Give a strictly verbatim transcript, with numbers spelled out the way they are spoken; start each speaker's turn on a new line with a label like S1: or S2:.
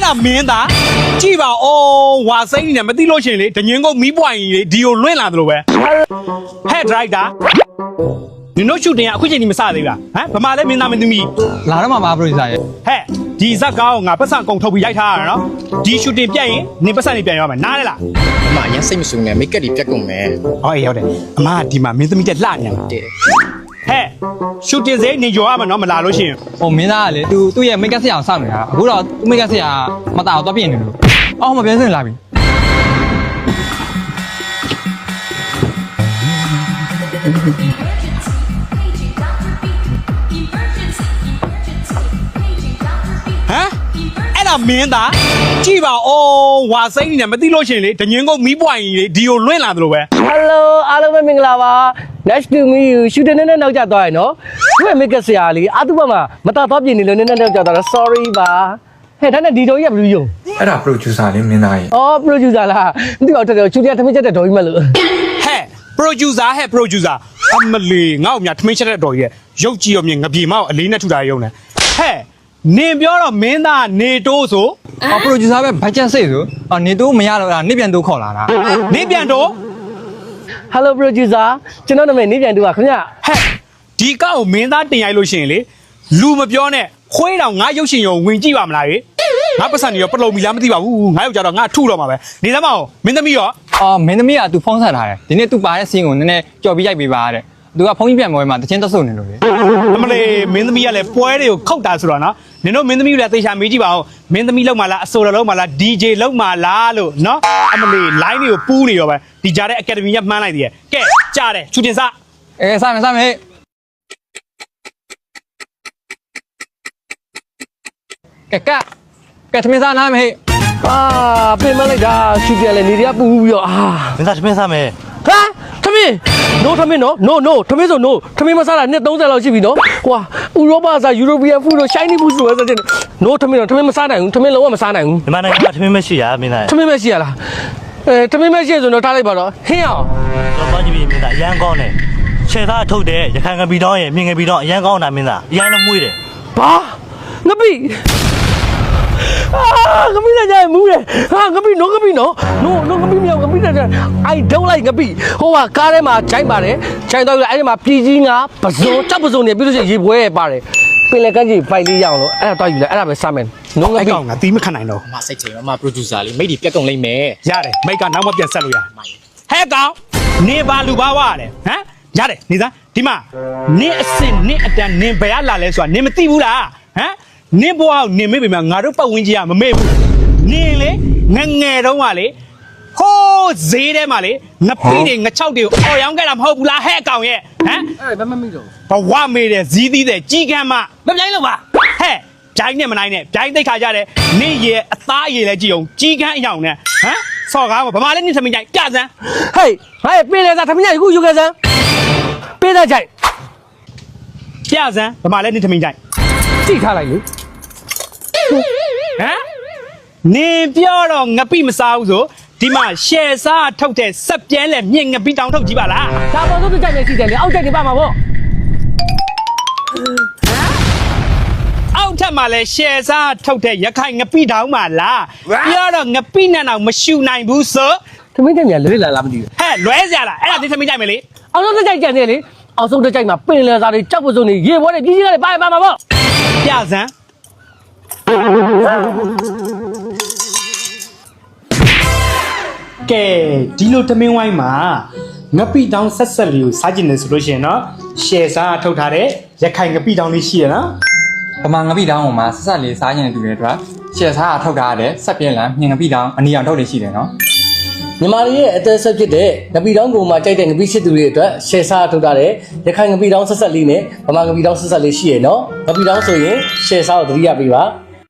S1: ဒါမင်းသားကြည့်ပါဩဝါစိမ့်နေတယ်မသိလို့ရှင်လေဒငင်းကိုမီးပွိုင်ကြီးလေဒီကိုလွင့်လာသလိုပဲဟဲ့ဒရိုက်တာနင်တို့ရှူတင်ကအခုချိန်ကြီးမစသေးဘူးလားဟမ်ဗမာလဲမင်းသားမင်းသမီး
S2: လာတော့မှာပါပရိုဂျူဆာရဲ့
S1: ဟဲ့ဒီဇက်ကားကိုငါပတ်စံကုန်ထုတ်ပြီးရိုက်ထားရတာနော်ဒီရှူတင်ပြတ်ရင်နင်ပတ်စံနေပြန်ရမယ်နားလဲလား
S3: အမအရင်စိတ်မဆူနဲ့မိတ်ကပ်တွေပြတ်ကုန်မယ်
S1: ဟောအေးဟုတ်တယ်အမကဒီမှာမင်းသမီးတက်လှနေရမှာ
S3: တဲ့
S1: ဟဲ့ရှူတင်စေနေကြော်ရမှာနော်မလာလို့ရှိရင်
S2: ဟိုမင်းသားကလေသူသူ့ရဲ့မိတ်ကပ်ဆရာကိုစောင့်နေတာအခုတော့သူ့မိတ်ကပ်ဆရာမတာတော့ပြင်နေလို့အော်မပြန်စင်လာပြီ
S1: ဟမ်အဲ့ဒါမင်းသားကြည့်ပါဩဝါစိမ့်နေတယ်မသိလို့ရှင်လေဒငင်းကိုမီးပွိုင်ကြီးလေဒီကိုလွင့်လာသလိုပဲ
S4: Hello အားလုံးပဲမင်္ဂလာပါ Nice to meet you ရှူတင်နေနောက်ကျသွားရင်နော်သူ့ရဲ့မိတ်ကဆရာလေးအတူပါမှာမတာတော့ပြင်နေလို့နည်းနည်းနောက်ကျသွားတာ sorry ပါဟဲ့ဒါနဲ့ဒီတော်ကြီးကဘယ်လိုယုံ
S5: အဲ့ဒါပရိုဂျူဆာလေးမင်းသားကြီး
S4: အော် producer လားမသိပါဘူးတော်ရှူတင်ထမင်းချက်တဲ့တော်ကြီးမလို့
S1: ဟဲ့ producer ဟဲ့ producer အမလီငါ့ကိုမြထမင်းချက်တဲ့တော်ကြီးရဲ့ရုပ်ကြည့်ရောမြင်ငပြေမောက်အလေးနဲ့ထူတာရုံနဲ့ဟဲ့နင်ပြောတော့မင်းသားနေတိုးဆို
S2: အော်ပရိုဂျူဆာပဲဘတ်ဂျက်စိတ်ဆိုအော်နေတော့မရတော့လားနေပြန်တော့ခေါ်လာတာ
S1: နေပြန်တော့
S4: Hello producer ကျွန်တော်နာမည်နေပြန်တူပါခင်ဗျ
S1: ဟဲ့ဒီကောက်ကိုမင်းသားတင်ရိုက်လို့ရှိရင်လေလူမပြောနဲ့ခွေးတောင်ငါရုပ်ရှင်ရုံဝင်ကြည့်ပါမလားရေငါပတ်စံနေရောပလုံမီလားမသိပါဘူးငါရောက်ကြတော့ငါထုတော့မှာပဲနေသမောင်မင်းသမီးရော
S2: အော်မင်းသမီးကသူဖုန်းဆက်ထားတယ်ဒီနေ့သူပါတဲ့စီးကိုနည်းနည်းကြော်ပြီးရိုက်ပေးပါတဲ့သူကဖုန်းကြီးပြန်ပေါ်မှာတချင်းတက်ဆုပ်နေလို့လေ
S1: အမလေးမင်းသမီးကလည်းပွဲတွေကိုခောက်တာဆိုတော့နော်နင်တို့မင်းသမီးကလည်းသေချာမေးကြည့်ပါဦးမင်းသမီးလောက်မှလားအဆိုတော်လောက်မှလား ဒီ ဂျေ လောက်မှလားလို့နော်အမလေး line တွေကိုပူးနေရောပဲဒီကြားတဲ့ academy ကမှန်းလိုက်သေးရဲ့ကဲကြားတယ်ချူတင်စ
S2: အဲစမယ်စမယ်ကဲကကဲသမီးစားနားမေး
S4: အာပြင်မလိုက်တာရှူတင်လေနေရပူပြီးတော့အာ
S6: မင်းသားသမင်းစားမယ်
S4: ဟာထမင်း no ထမင်းနော် no no ထမင်းဆို no ထမင်းမစားတာနှစ်သုံးဆယ်လောက်ရှိပြီနော်ဟွာဥရောပစား European food တို့ Chinese food ဆိုတဲ့ no ထမင်းတော့ထမင်းမစားနိုင်ဘူးထမင်းလုံးဝမစားနိုင်ဘူး
S6: ဒီမှာနိုင်ငံမှာသမင်းမရှိရမင်းသား
S4: ထမင်းမရှိရလားအဲထမင်းမရှိဆိုတော့ထားလိုက်ပါတော့ဟင်းအောင်
S6: တော့ပါကြည့်ပြီးမင်းသားအရန်ကောင်းတယ်ခြေသားထုတ်တယ်ရခိုင်ငပီတောင်းရဲ့မြင်ငပီတောင်းအရန်ကောင်းတာမင်းသားအရန်လည်းမွေးတယ်
S4: ဘာငပိအာငပိလည်းကြိုင်မူးတယ်ဟာငပိနော်ငပိနော် no no ငပိမြောက်ငပိလည်းကြိုင် I don't like ငပိဟိုကကားထဲမှာဂျိုင်းပါတယ်ဂျိုင်းတော့အဲ့ဒီမှာပြည်ကြီးငါပဇွန်ကြောက်ပဇွန်နေပြီးလို့ရှိရင်ရေပွဲပါတယ်ပင်လယ်ကမ်းခြေဖိုင်လေးရအောင်လို့အဲ့ဒါတော့ယူလိုက်အဲ့ဒါပဲစားမယ်နော်င
S1: အဲ့
S4: ပိ
S1: ကောင်ကတီးမခံနိုင်တော့
S3: အမစိတ်ချိန်အမ producer လေးမိတ်တွေပြတ်ကုန်လိမ့်မယ်
S1: ရတယ်မိတ်ကနောက်မှပြန်ဆက်လို့ရဟဲ့ကောင်နေပါလူပါဝရတယ်ဟမ်ရတယ်နေသားဒီမှာနင်းအစင်နင်းအတန်နင်းဘယ်ကလာလဲဆိုတာနင်းမသိဘူးလားဟမ်နင်းဘွားကိုနင်းမေ့ပေမဲ့ငါတို့ပတ်ဝန်းကျင်ကမမေ့ဘူးနင်းလေငငယ်တုန်းကလေဟိုးဈေးထဲမှာလေငပိတွေငချောက်တွေကိုအော်ရောင်းခဲ့တာမဟုတ်ဘူးလားဟဲ့အကောင်ရဲ့ဟမ်
S4: အဲ့ဒါဘယ်မှမမိတော့
S1: ဘဝမေးတယ်ဇီးသီးတယ်ကြီးကမ်းမမပြိုင်းလို့ပါဟဲ့ပြိုင်းနဲ့မနိုင်နဲ့ပြိုင်းသိခါကြတယ်နင့်ရဲ့အသားရည်လဲကြည့်အောင်ကြီးကမ်းအယောင်နဲ့ဟမ်ဆော့ကားဗမာလည်းနင့်သမီးကြိုင်ပြစမ်း
S4: ဟေးဟဲ့ပင်လယ်စားထမင်းကြီးခုယူခဲ့စမ်းပေးတဲ့ကြိုက်
S1: ပြစမ်းဗမာလည်းနင့်သမီးကြိုင်
S4: ကြည့်ထားလိုက်လေ
S1: ဟမ်နင်ပြောတော့ငပိမစားဘူးဆိုဒီမှာရှယ်စားထုတ်တဲ့စက်ပြဲလဲမြင့်ငပိတောင်ထုတ်ကြည့်ပါလား
S4: ဒါပေါ်တော့ကြိုက်နေရှိတယ်လေအောက်ကြိုက်နေပါမှာပေါ့
S1: အောက်ထပ်မှာလဲရှယ်စားထုတ်တဲ့ရခိုင်ငပိတောင်မှာလားပြောတော့ငပိနဲ့တော့မရှူနိုင်ဘူးဆို
S4: ထမင်းကြိုက်မြလွဲလာလားမသိဘူး
S1: ဟဲ့လွဲစရာလားအဲ့ဒါနင့်သမီးကြိုင်မယ်လေ
S4: အောက်ဆုံးကြိုက်ကြတယ်လေအောက်ဆုံးကြိုက်မှာပင်လယ်စားတွေကြောက်ပစုံတွေရေပွဲတွေကြီးကြီးကလည်းပါပါမှာပေါ့
S1: ပြစမ်းကဲဒီလိုတမင်းဝိုင်းမှာငပိတောင်ဆက်ဆက်လေးကိုစားကျင်တယ်ဆိုလို့ရှိရင်တော့ရှယ်စားထုတ်ထားတဲ့ရခိုင်ငပိတောင်လေးရှိရနော်
S2: ဗမာငပိတောင်းပေါ်မှာဆက်ဆက်လေးစားကျင်တဲ့တူတွေအတွက်ရှယ်စားထုတ်ထားတဲ့ဆက်ပြင်းလမ်းမြင်ငပိတောင်းအနီအောင်ထုတ်နေရှိတယ်နော်
S4: မြန်မာတွေရဲ့အသက်ဆက်ဖြစ်တဲ့ငပီတောင်းကိုမှကြိုက်တဲ့ငပီစစ်သူတွေအတွက်ရှယ်စားထုတ်ထားတဲ့ရခိုင်ငပီတောင်းဆက်ဆက်လေးနဲ့ဗမာငပီတောင်းဆက်ဆက်လေးရှိရနော်ငပီတောင်းဆိုရင်ရှယ်စားကိုသတိရပေးပါ